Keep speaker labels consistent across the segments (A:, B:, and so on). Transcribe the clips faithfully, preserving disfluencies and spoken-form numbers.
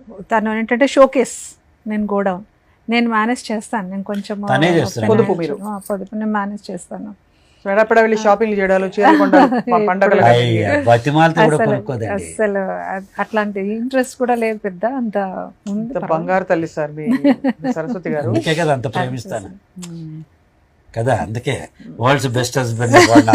A: తను ఏంటంటే షోకేస్, నేను గోడౌన్, నేను మేనేజ్ చేస్తాను, నేను కొంచెం
B: తనే చేస్తారా?
C: పొదుపు మీరు?
A: ఆ, పొదుపు నేను మేనేజ్ చేస్తాను.
C: ఎడపడ వెళ్ళి షాపింగ్ చేయడాలు, చీరలు కొనడాలు, ప- పండగలు
B: అయ్య, బతిమాలతో కూడా
A: అసలు
B: కొనుక్కోదండి.
A: అసలు అ- అట్లాంటి ఇంట్రెస్ట్ కూడా లేదు పెద్ద, అంత ఉంది
C: ఇంత
A: పర్వాలేదు.
C: బంగారు తల్లి సార్ మీ సరస్వతి గారు.
B: అందుకే కదా అంత ప్రేమిస్తాను
C: మ్మ్.
B: కదా, అందుకే వరల్డ్స్ బెస్ట్ హస్బెండ్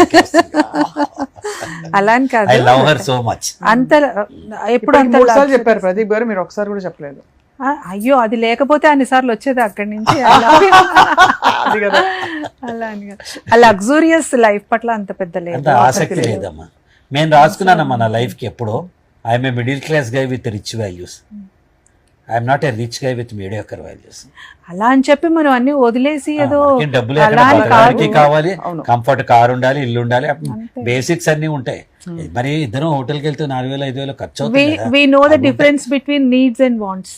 A: అలా అని కాదు,
B: I love her so much.
A: అంత ఎప్పుడు
C: ఇప్పుడు
A: అంత
C: మూడు సార్లు
A: luxury-
C: చెప్పారు ప్రదీప్ గారు, మీరు ఒకసారి కూడా చెప్పలేదు.
A: ఆ, అయ్యో అది లేకపోతే అన్ని సార్లు వచ్చేది అక్కడి నుంచి. అలా
C: అది కదా.
A: అలా అని కాదు. ఆ లగ్జూరియస్ లైఫ్ పట్ల అంత పెద్ద లేదు,
B: అంత ఆసక్తి లేదమ్మా. నేను రాసుకున్నానమ్మా నా లైఫ్ కి ఎప్పుడో, I'm a middle class guy with rich values, I'm not a rich guy with mediocre values.
A: అలా అని చెప్పి మనం అన్ని వదిలేసి ఏదో
B: డబ్బులు
A: అలా అని
B: బతకడానికి
A: కాదు.
B: కావాలి,
C: అవును.
B: కంఫర్ట్ కార్ ఉండాలి, ఇల్లు ఉండాలి,
A: అంతే.
B: బేసిక్స్ అన్ని ఉంటాయి. మరి ఇద్దరం హోటల్కి వెళ్తే నాలుగు వేలు ఐదు వేలు ఖర్చు
A: వి
B: అవుతుంది కదా.
A: వి నో ద
B: అవి ఉంటాయి.
A: Difference between needs and wants.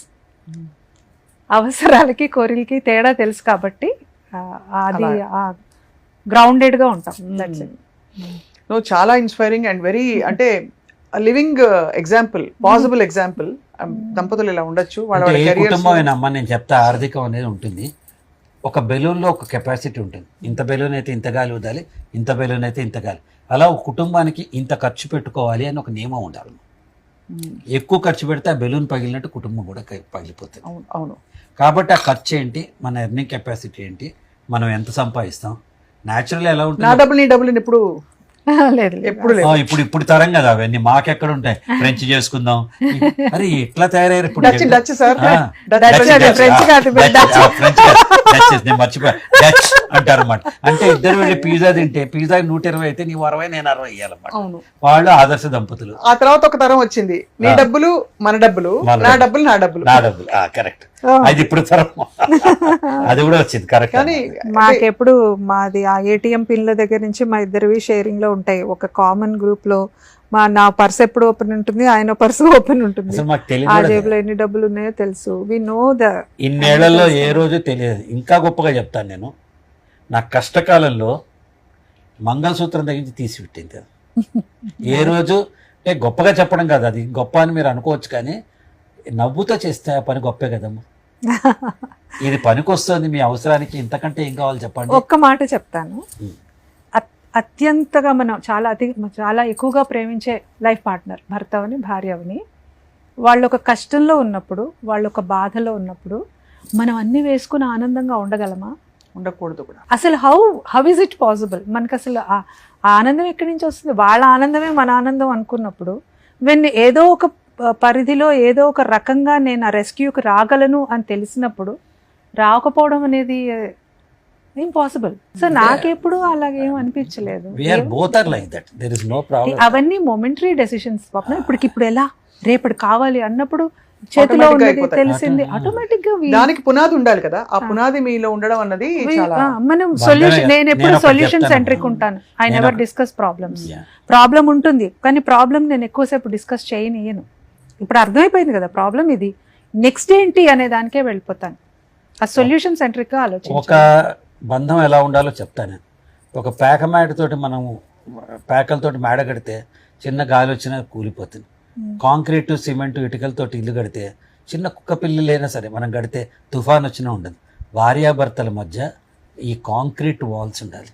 A: అవసరాలకి కోరికలకి తేడా తెలుసు కాబట్టి ఆ, అది గ్రౌండెడ్ గా ఉంటాం. That's it.
C: నువ్వు చాలా ఇన్స్పైరింగ్ అండ్ వెరీ అంటే లివింగ్ ఎగ్జాంపుల్, పాసిబుల్ ఎగ్జాంపుల్. దంపతులు ఇలా ఉండొచ్చు, వాళ్ళ
B: అంటే
C: వాళ్ళ
B: ఏ
C: careers
B: కుటుంబం
C: లో-
B: అయినా అమ్మ, నేను చెప్తా, ఆర్థికం అనేది ఉంటుంది. ఒక బెలూన్లో ఒక కెపాసిటీ ఉంటుంది. ఇంత బెలూన్ అయితే ఇంత గాలి వదాలి, ఇంత బెలూన్ అయితే ఇంత గాలి. అలా ఒక కుటుంబానికి ఇంత ఖర్చు పెట్టుకోవాలి అని ఒక నియమం ఉండాలి.
C: మ్మ్.
B: ఎక్కువ ఖర్చు పెడితే ఆ బెలూన్ పగిలినట్టు కుటుంబం కూడా క- పగిలిపోతుంది.
C: అవును అవును.
B: కాబట్టి ఆ ఖర్చు ఏంటి, మన ఎర్నింగ్ కెపాసిటీ ఏంటి, మనం ఎంత సంపాదిస్తాం, న్యాచురల్ ఎలా
C: నా
B: ఉంటుంది.
C: డబ్బులు నీ డబ్బులు ఇప్పుడు
A: లేదు లేదు.
C: ఎప్పుడు
B: ఆ,
C: లేదు.
B: ఇప్పుడు ఇప్పుడు తరం కదా అవన్నీ, మాకెక్కడ ఉంటాయి. ఫ్రెంచ్ చేసుకుందాం, అరే ఎట్లా తయారయ్యారు ఇప్పుడు.
C: డచ్ డచ్ సార్
B: ఆ,
C: డచ్
A: డచ్
B: డచ్,
A: కాదు,
B: డచ్,
A: ఫ్రెంచ్
B: ఆ,
A: కాదు,
B: డచ్,
A: డచ్.
B: ఆ, ఫ్రెంచ్ కాదు, డచ్, నేను మర్చిపోయా, డచ్ అంటారు అన్నమాట. అంటే ఇద్దరు వెళ్ళి పిజ్జా తింటే పిజ్జా నూట ఇరవై అయితే నీవు అరవై నేను అరవై ఇవ్వాలన్నమాట.
C: అవును.
B: వాళ్ళు ఆదర్శ దంపతులు.
C: ఆ తర్వాత ఒక తరం వచ్చింది, నీ డబ్బులు మన డబ్బులు,
B: మన
C: నా
B: డబ్బులు.
C: డబ్బులు నా డబ్బులు.
B: నా డబ్బులు, కరెక్ట్. అది ఇప్పుడు తరం అది కూడా వచ్చింది, కరెక్ట్.
C: కానీ
A: మాకెప్పుడు మాది ఆ ఏటీఎం పిన్ల దగ్గర నుంచి మా ఇద్దరివి షేరింగ్ లో ఉంటాయి. ఒక కామన్ గ్రూప్ లో మా నా పర్స్ ఎప్పుడు ఓపెన్ ఉంటుంది, ఆయన పర్స్ ఓపెన్ ఉంటుంది.
B: అసలు మాకు
A: ఆ
B: తెలియదు.
A: జేబులో ఎన్ని డబ్బులు ఉన్నాయో తెలుసు. వి నో ద
B: ఇన్నేళ్లలో ఏ రోజు తెలియదు. ఇంకా గొప్పగా చెప్తాను నేను, నా కష్టకాలంలో మంగళసూత్రం తగ్గించి తీసి పెట్టింది. ఏ రోజు అంటే గొప్పగా చెప్పడం కాదు, అది గొప్ప అని మీరు అనుకోవచ్చు, కానీ నవ్వుతో చేస్తే ఆ పని గొప్పే కదమ్మా. ఇది పనికి వస్తుంది మీ అవసరానికి, ఇంతకంటే ఏం కావాలి చెప్పండి.
A: ఒక్క మాట చెప్తాను.
B: ఉమ్.
A: అత్- అత్యంతగా మనం చాలా అతి చాలా ఎక్కువగా ప్రేమించే లైఫ్ పార్ట్నర్, భర్త అవని భార్య అవని, వాళ్ళు ఒక కష్టంలో ఉన్నప్పుడు, వాళ్ళు ఒక బాధలో ఉన్నప్పుడు మనం అన్ని వేసుకుని ఆనందంగా ఉండగలమా?
C: ఉండకూడదు కూడా.
A: అసలు how how is it possible? మనకు అసలు ఆ ఆ ఆనందం ఎక్కడి నుంచి వస్తుంది? వాళ్ళ ఆనందమే మన ఆనందం అనుకున్నప్పుడు, వెన్ ఏదో ఒక ప- పరిధిలో ఏదో ఒక రకంగా నేను ఆ రెస్క్యూకి రాగలను అని తెలిసినప్పుడు రాకపోవడం అనేది ఇంపాసిబుల్. సో నాకెప్పుడు అలాగేం అనిపించలేదు.
B: We are both are like that, there is no problem.
A: అవన్నీ మొమెంటరీ డెసిషన్స్ పాపం. ఇప్పటికి ఇప్పుడు ఎలా, రేపటి కావాలి అన్నప్పుడు చేతిలో
C: Automatic గా
A: ఉన్నది
C: అయిపోతాయి.
A: తెలిసింది ఆటోమేటిక్ గా we-
C: దానికి పునాది ఉండాలి కదా, ఆ పునాది మీలో ఉండడం అన్నది
A: we-
C: చాలా.
A: ఆ, మనం
B: బంధమే
A: సొల్యూషన్,
B: కదా.
A: నేను ఎప్పుడు
B: నేను ఒకటి
A: సొల్యూషన్
B: చెప్తాను.
A: సెంట్రిక్ ఉంటాను. ఐ
B: నేను
A: నెవర్
B: ఒక-
A: డిస్కస్ ప్రాబ్లమ్స్.
B: Yeah.
A: ప్రాబ్లం ఉంటుంది కానీ ప్రాబ్లం నేను ఎక్కువసేపు డిస్కస్ చేయనియను. ఇప్పుడు అర్థమైపోయింది కదా ప్రాబ్లం ఇది, నెక్స్ట్ ఏంటి అనే దానికే వెళ్ళిపోతాను. ఆ సొల్యూషన్ సెంట్రిక్ గా
B: ఒక
A: ఆలోచించాను.
B: బంధం ఎలా ఉండాలో చెప్తాను. ఒక పేక మేడతోటి మనం పేకలతోటి మేడ కడితే చిన్న గాలి వచ్చినా కూలిపోతుంది. కాంక్రీటు సిమెంట్ ఇటుకలతోటి ఇల్లు కడితే చిన్న కుక్క పిల్లలైనా సరే మనం కడితే తుఫాన్ వచ్చినా ఉండదు. భార్యాభర్తల మధ్య ఈ కాంక్రీట్ వాల్స్ ఉండాలి.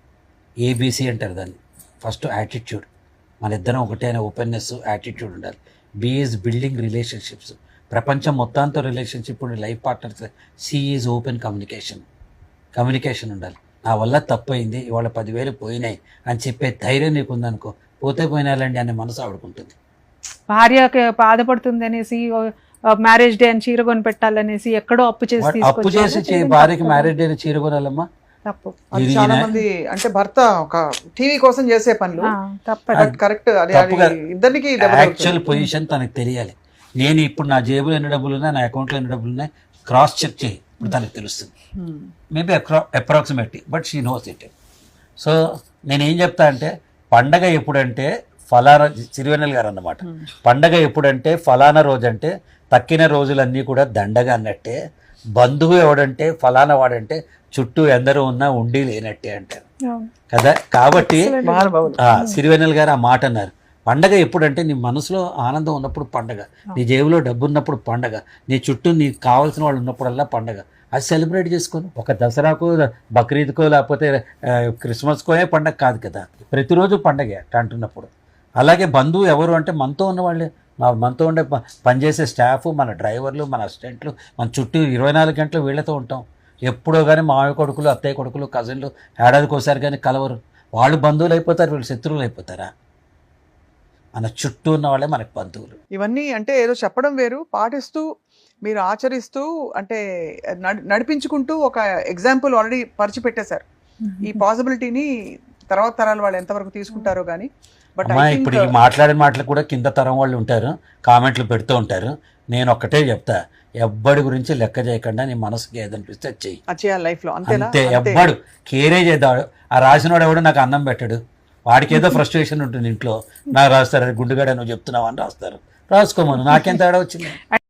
B: ఏబీసీ అంటారు దాన్ని. ఫస్ట్ యాటిట్యూడ్, మన ఇద్దరం ఒకటే అనే ఓపెన్నెస్, యాటిట్యూడ్ ఉండాలి. B is building relationships. ప్రపంచం మొత్తంతో రిలేషన్షిప్ ఉండే life partners. C is open communication. Communication ఉండాలి. నా వల్ల తప్పు అయింది, ఇవాళ పదివేలు పోయినాయి అని చెప్పే ధైర్యం నీకు ఉందనుకో, పోతే పోయినాలండి అనే మనసు ఆడుకుంటుంది.
A: భార్యకి బాధపడుతుంది అనేసి మ్యారేజ్ డే అని చీర కొని పెట్టాలనేసి ఎక్కడో అప్పు చేసి
B: అప్పు
A: తీసుకొచ్చి
B: చేసి చే- భార్యకి మ్యారేజ్ డే చీర కొనాలమ్మా.
A: తప్పు.
C: అది
B: ఇది
C: చాలా
B: ఈయన-
C: మంది అంటే భర్త ఒక టీవీ కోసం చేసే పనులు
A: ఆ, తప్పదు.
C: కరెక్ట్. అది అది
B: తప్పుగా.
C: ఇద్దరికి
B: యాక్చువల్ పొజిషన్ తనకు తెలియాలి. నేను ఇప్పుడు నా జేబులో ఎన్ని డబ్బులు ఉన్నాయి, నా అకౌంట్లో ఎన్ని డబ్బులు ఉన్నాయి, క్రాస్ చెక్ చేయి, ఇప్పుడు తనకు తెలుస్తుంది. Maybe approximately, but she knows it. So నేనేం చెప్తా అంటే, పండగ ఎప్పుడంటే ఫలానా, సిరివెన్నెల గారు అన్నమాట, పండగ ఎప్పుడంటే ఫలానా రోజు అంటే తక్కిన రోజులన్నీ కూడా దండగా అన్నట్టే, బంధువు ఎవడంటే ఫలానా వాడంటే చుట్టూ ఎందరూ ఉన్నా ఉండి లేనట్టే అంటారు
A: అవును.
B: కదా. కాబట్టి
C: మహానుభావులు.
B: ఆ, సిరివెన్నెల గారు ఆ మాట అన్నారు, పండగ ఎప్పుడంటే నీ మనసులో ఆనందం ఉన్నప్పుడు పండగ, నీ జేబులో డబ్బు ఉన్నప్పుడు పండగ, నీ చుట్టూ నీకు కావాల్సిన వాళ్ళు ఉన్నప్పుడల్లా పండగ. అది సెలబ్రేట్ చేసుకొని ఒక దసరాకో బక్రీద్కో లేకపోతే ఆ, క్రిస్మస్కోనే పండగ కాదు కదా, ప్రతిరోజు పండగే అట్ట అంటున్నప్పుడు. అలాగే బంధువు ఎవరు అంటే మనతో ఉన్నవాళ్ళే, మా మనతో ఉండే ప- పనిచేసే స్టాఫ్, మన డ్రైవర్లు, మన అసిస్టెంట్లు, మన చుట్టూ ఇరవై నాలుగు గంటలు వీళ్ళతో ఉంటాం. ఎప్పుడో కానీ మామయ్య కొడుకులు, అత్తయ్య కొడుకులు, కజిన్లు ఏడాదికి ఒకసారి కానీ కలవరు. వాళ్ళు బంధువులు అయిపోతారు, వీళ్ళు శత్రువులు అయిపోతారా? మన చుట్టూ ఉన్న వాళ్ళే మనకు బంధువులు.
C: ఇవన్నీ అంటే ఏదో చెప్పడం వేరు, పాటిస్తూ మీరు ఆచరిస్తూ అంటే నడి- నడిపించుకుంటూ ఒక ఎగ్జాంపుల్ ఆల్రెడీ పరిచి పెట్టేశారు. ఈ పాసిబిలిటీని తర్వాత తరాల వాళ్ళు ఎంతవరకు తీసుకుంటారో కానీ బట్
B: అమ్మా ఇప్పుడు ఈ మాట్లాడిన మాటలు కూడా కింద తరం వాళ్ళు ఉంటారు, కామెంట్లు పెడుతూ ఉంటారు. నేను ఒక్కటే చెప్తా, ఎవ్వడి గురించి లెక్క చేయకుండా నీ మనసుకి ఏదనిపిస్తే అది చెయ్యి,
C: చేయాలి లైఫ్ లో అంతేనా?
B: అంతే.
C: అంతే.
B: ఎవ్వడు కేరే చేద్దాడు. ఆ రాసినోడు ఎవడు నాకు అన్నం పెట్టాడు, వాడికి ఏదో ఫ్రస్ట్రేషన్ ఉంటుంది ఇంట్లో, నాకు రాస్తారు గుండుగాడ నువ్వు చెప్తున్నావు అని రాస్తారు, రాసుకోమను, నాకేం తేడా వచ్చింది?